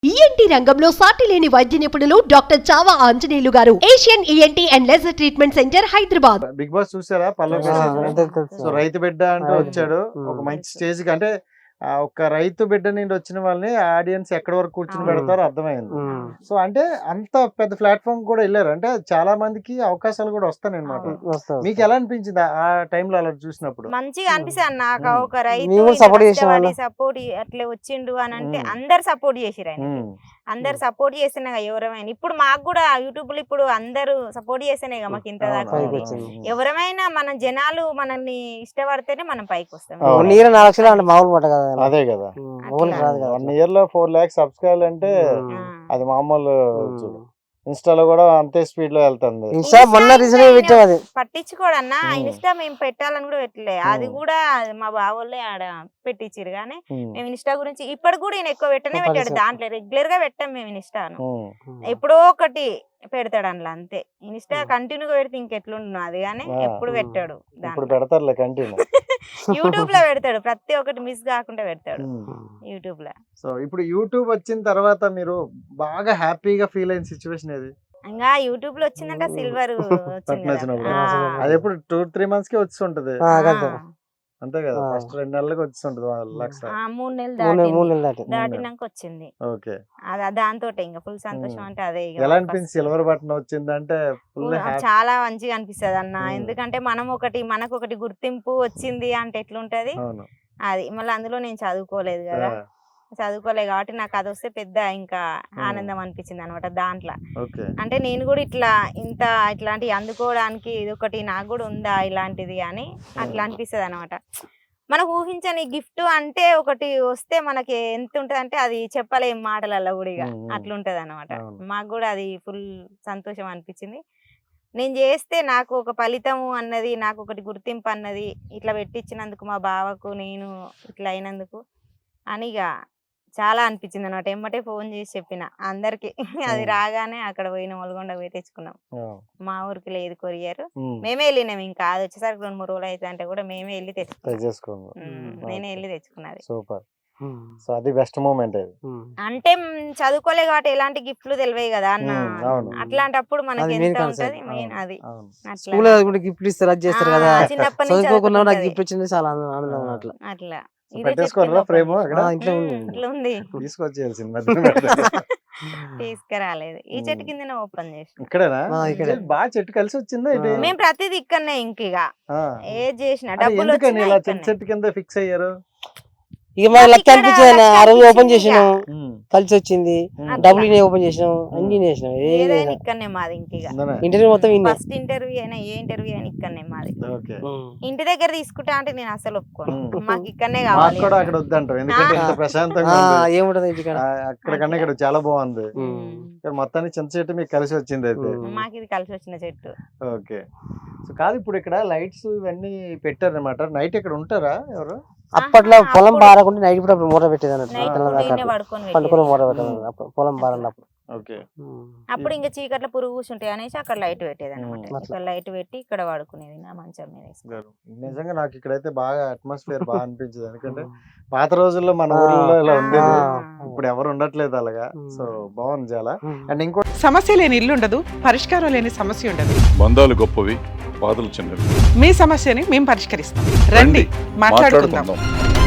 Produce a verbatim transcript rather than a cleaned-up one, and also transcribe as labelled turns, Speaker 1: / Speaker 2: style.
Speaker 1: ENT రంగంలో సాటి లేని వైద్య నిపుణులు డాక్టర్ చావా ఆంజనేయులు గారు, Asian ENT and laser treatment centre, Hyderabad.
Speaker 2: Big boss చూసారా? పల్లవి సో రైతు బిడ్డ అంటూ వచ్చాడు ఒక మంచి స్టేజ్ కి. అంటే ఆ ఒక్క రైతు బిడ్డ నుండి వచ్చిన వాళ్ళని ఆడియన్స్ ఎక్కడి వరకు కూర్చుని పెడతారో అర్థమైంది. సో అంటే అంత పెద్ద ప్లాట్ఫామ్ కూడా వెళ్ళారు అంటే చాలా మందికి అవకాశాలు కూడా వస్తాయి అన్నమాట. మీకు ఎలా అనిపించింది ఆ టైంలో అలా చూసినప్పుడు?
Speaker 3: మంచిగా అనిపిస్తుంది నాకు. ఒక రైతు సపోర్ట్ అట్లా వచ్చిండు అని అంటే అందరు సపోర్ట్ చేసిరు ఆయన. అందరు సపోర్ట్ చేసినా ఎవరమైనా ఇప్పుడు మాకు కూడా యూట్యూబ్ లో ఇప్పుడు అందరు సపోర్ట్ చేస్తేనే మాకు ఇంత దాకా. ఎవరమైనా మన జనాలు మనల్ని ఇష్టపడితేనే మనం పైకి వస్తాం.
Speaker 2: అదే కదా, వన్ ఇయర్ లో ఫోర్ లాక్స్ సబ్స్క్రైబ్ అంటే అది మామూలు. ఇన్స్టాలో కూడా అంతే స్పీడ్ లో వెళ్తుంది.
Speaker 3: పట్టించుకోడన్నా ఇన్స్టా మేము పెట్టాలని కూడా పెట్టలే. అది కూడా మా బావోళ్ళే ఆడ పెట్టించారు. కానీ మేము ఇన్స్టా గురించి ఇప్పటి కూడా ఈయన ఎక్కువ పెట్టనే పెట్టాడు. దాంట్లో రెగ్యులర్ గా పెట్టాం మేము ఇన్స్టాను. ఎప్పుడో ఒకటి పెడతాడు అందులో అంతే. ఇన్స్టా కంటిన్యూగా పెడితే ఇంకెట్లుండు అది. కానీ ఎప్పుడు పెట్టాడు.
Speaker 2: పెడతారులే కంటిన్యూ.
Speaker 3: యూట్యూబ్ లో పెడతాడు, ప్రతి ఒక్కటి మిస్ కాకుండా పెడతాడు యూట్యూబ్ లో.
Speaker 2: సో ఇప్పుడు యూట్యూబ్ వచ్చిన తర్వాత మీరు బాగా హ్యాపీగా ఫీల్ అయిన సిచ్యువేషన్ ఏది?
Speaker 3: ఇంకా యూట్యూబ్ లో వచ్చిందంటే సిల్వర్
Speaker 2: అది ఎప్పుడు టూ త్రీ మంత్స్ కి వచ్చి ఉంటది అంతే కదా. ఫస్ట్ రెండు నెలలకు వచ్చి ఉంటది లక్ష.
Speaker 3: మూడు నెలలు దాటినాక వచ్చింది.
Speaker 2: ఓకే,
Speaker 3: దాంతో ఇంకా ఫుల్ సంతోషం. అంటే అదే
Speaker 2: ఎలా అనిపించింది సిల్వర్ బటన్ వచ్చింది అంటే?
Speaker 3: చాలా మంచిగా అనిపిస్తుంది అన్న. ఎందుకంటే మనం ఒకటి మనకు ఒకటి గుర్తింపు వచ్చింది అంటే ఎట్లుంటది అది. మళ్ళీ అందులో నేను చదువుకోలేదు కదా, చదువుకోలేదు కాబట్టి నాకు అది వస్తే పెద్ద ఇంకా ఆనందం అనిపించింది అనమాట దాంట్లో. అంటే నేను కూడా ఇట్లా ఇంత ఇట్లాంటివి అందుకోవడానికి ఇది ఒకటి నాకు కూడా ఉందా ఇలాంటిది అని అట్లా అనిపిస్తుంది అనమాట. మనకు ఊహించని గిఫ్ట్ అంటే ఒకటి వస్తే మనకి ఎంత ఉంటది అంటే అది చెప్పలేం మాటలలో కూడా. ఇక అట్లుంటది అనమాట. మాకు కూడా అది ఫుల్ సంతోషం అనిపించింది. నేను చేస్తే నాకు ఒక ఫలితము అన్నది, నాకు ఒకటి గుర్తింపు అన్నది ఇట్లా పెట్టించినందుకు మా బావకు నేను ఇట్లా అయినందుకు అని ఇక చాలా అనిపించింది అన్నమాట. ఎమ్మటే ఫోన్ చేసి చెప్పిన అందరికి. అది రాగానే అక్కడ పోయిన ఒల్గొండ పోయి తెచ్చుకున్నాం. మా ఊరికి లేదు కొరియర్, మేమే వెళ్ళినాం. ఇంకా అది వచ్చేసరికి రెండు మూడు రోజులు అయితే అంటే కూడా మేమే వెళ్ళి తెచ్చుకున్నాం. నేనే వెళ్ళి తెచ్చుకున్నది.
Speaker 2: సూపర్. సో అది బెస్ట్ మూమెంట్.
Speaker 3: అంటే చదువుకోలే కాబట్టి ఎలాంటి గిఫ్ట్లు తెలివే కదా అన్న. అట్లాంటప్పుడు మనకి ఎంత ఉంటది మెయిన్ అది. చిన్నప్పటి నుంచి అట్లా తీసుకురాలేదు. ఈ చెట్టు కింద ఓపెన్ చేసి
Speaker 2: బాగా చెట్టు కలిసి వచ్చిందా?
Speaker 3: మేము ప్రతిదీ ఇక్కడనే. ఇంక ఏది చేసిన డబ్బులు
Speaker 2: చెట్టు కింద ఫిక్స్ అయ్యారు.
Speaker 4: ఇక మన లెక్క అనిపించింది. ఆ రోజు ఓపెన్ చేసినాం, కలిసి వచ్చింది. డబ్బులు ఓపెన్ చేసినాం, అన్ని చేసినాం.
Speaker 3: ఇక్కడనే మాది. ఇంక
Speaker 4: ఇంటర్వ్యూ మొత్తం
Speaker 3: ఫస్ట్ ఇంటర్వ్యూ అయినా ఏ ఇంటర్వ్యూ అయినా ఇక్కడనే మాది. ఇంటి దగ్గర తీసుకుంటా అంటే నేను అసలు ఒప్పుకోను. మాకు ఇక్కడనే కావాలి.
Speaker 4: ఏముంటది ఇంటికాడ,
Speaker 2: అక్కడికన్నా ఇక్కడ చాలా బాగుంది. మొత్తానికి చింత చెట్టు మీకు కలిసి వచ్చింది అయితే.
Speaker 3: మాకు ఇది కలిసి వచ్చిన చెట్టు.
Speaker 2: ఓకే. సో కాదు, ఇప్పుడు ఇక్కడ లైట్స్ ఇవన్నీ పెట్టారు అనమాట. నైట్ ఇక్కడ ఉంటారా ఎవరు?
Speaker 4: అప్పట్లో పొలం బారకుంటే నైట్ కూడా మూట పెట్టేది అన్నట్టు. పండుకొని మూట పెట్టేది పొలం బారన్నప్పుడు.
Speaker 3: అప్పుడు ఇంకా చీకట్లో పురుగు కూర్చుంటాయి అనేసి అక్కడ లైట్ పెట్టేది అనమాట. లైట్ పెట్టి ఇక్కడ పడుకునేది నా మంచం మీద.
Speaker 2: నిజంగా నాకు ఇక్కడైతే బాగా అట్మాస్ఫియర్ బాగా అనిపించింది. ఎందుకంటే పాత రోజుల్లో మన ఊళ్ళో ఇలా ఉండేది, ఇప్పుడు ఎవరు ఉండట్లేదు అలాగా. సో బాగుంది చాలా. అండ్ ఇంకో
Speaker 5: సమస్య లేని ఇల్లు ఉండదు, పరిష్కారం లేని సమస్య ఉండదు.
Speaker 6: బంధాలు గొప్పవి, బాధలు చిన్నవి.
Speaker 5: మీ సమస్యని మేము పరిష్కరిస్తాం. రండి, మాట్లాడుకుందాం.